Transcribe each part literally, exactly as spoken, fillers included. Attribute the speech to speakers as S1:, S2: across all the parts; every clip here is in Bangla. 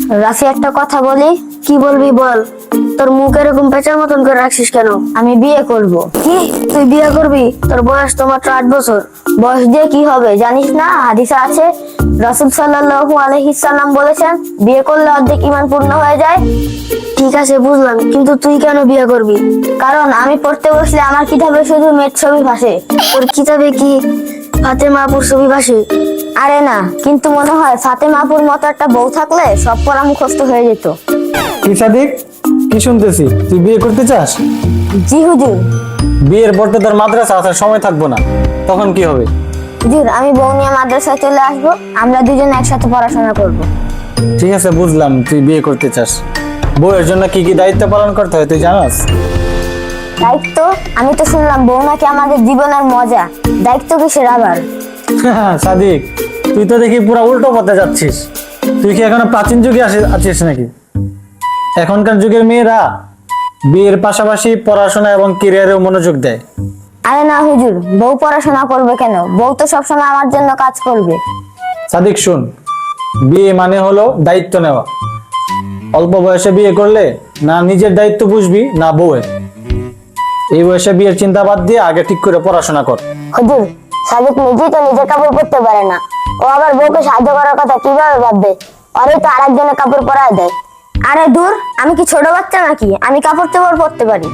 S1: রাফি, একটা কথা বলি। কি বলবি বল। তোর মুখ এরকম পেঁচার মতন করে রাখছিস কেন? আমি বিয়ে করব। কি? তুই বিয়ে করবি? তোর বয়স তো মাত্র আট বছর। বয়স দিয়ে কি হবে জানিস না? হাদিসে আছে, রাসূল সাল্লাল্লাহু আলাইহি সাল্লাম বলেছেন, বিয়ে করলে অর্ধেক ঈমান পূর্ণ হয়ে যায়। ঠিক আছে, বুঝলাম, কিন্তু তুই কেন বিয়ে করবি? কারণ আমি পড়তে বসলে আমার কিতাবে শুধু মেয়ের ছবি ভাসে। তোর কিতাবে কি ফাতেমা আপুর ছবি ভাসে? আরে না, কিন্তু মনে হয় ফাতেমা আপুর মতো একটা বউ থাকলে সব পড়া মুখস্থ হয়ে যেত।
S2: কি সাদিক, কি শুনতেছি? তুই বিয়ে করতে চাস?
S1: জি হুজুর।
S2: বিয়ের পর তো তোর মাদ্রাসা আসার সময় থাকবো না, তখন কি হবে?
S1: হুজুর, আমি বউ নিয়ে মাদ্রাসায় চলে আসবো, আমরা দুজন একসাথে পড়াশোনা করব।
S2: ঠিক আছে, বুঝলাম তুই বিয়ে করতে চাস। বউয়ের জন্য কি কি দায়িত্ব পালন করতে হয় তুই জানাস?
S1: দায়িত্ব? আমি তো শুনলাম বউ নাকি আমাদের জীবনের মজা। দায়িত্ব কিসের আবার?
S2: সাদিক, তুই তো দেখি পুরো উল্টো পথে যাচ্ছিস। তুই কি এখনো প্রাচীন যুগে আসি- আছিস নাকি? এখনকার যুগের মেয়েরা বিয়ের পাশাপাশি পড়াশোনা এবং ক্যারিয়ারেও মনোযোগ দেয়।
S1: আরে না হুজুর, বউ পড়াশোনা করবে কেন? বউ তো সবসময় আমার জন্য কাজ করবে।
S2: সাদিক শুন, বিয়ে মানে হলো দায়িত্ব নেওয়া। অল্প বয়সে বিয়ে করলে না নিজের দায়িত্ব বুঝবি না বউয়ের। এই বয়সে বিয়ের চিন্তা বাদ দিয়ে আগে ঠিক করে পড়াশোনা কর।
S1: হুজুর, সাদিক নিজেই তো নিজের কাপড় পরতে পারে না, ও আবার বউকে সাহায্য করার কথা কিভাবে ভাববে? ওরই তো আরেকজনের কাপড় পরায় দেয়। আরে দূর, আমি কি ছোট বাচ্চা নাকি? আমি কাপড় চোপড় পরতে পারি।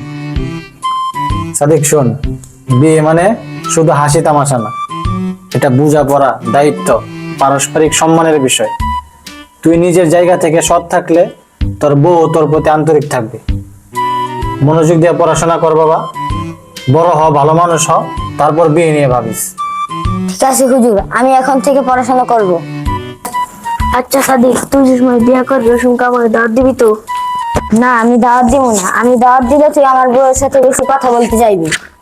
S2: সাদিক শোন, বিয়ে মানে শুধু হাসি তামাশা না, এটা বোঝাপড়া, দায়িত্ব, পারস্পরিক সম্মানের বিষয়। তুই নিজের জায়গা থেকে সৎ থাকলে তোর বউ তোর প্রতি আন্তরিক থাকবে। মনোযোগ দিয়ে পড়াশোনা কর বাবা, বড় হ, ভালো মানুষ হ, তারপর বিয়ে নিয়ে ভাবিস।
S1: ঠিক আছে হুজুর, আমি এখন থেকে পড়াশোনা করব। আচ্ছা সাদিক, তুই যে সময় বিয়ে করবি ওই সময় আমাকে দাওয়াত দিবি তো? না, আমি দাওয়াত দিব না। আমি দাওয়াত দিলে তুই আমার বউয়ের সাথে বেশি কথা বলতে চাইবি।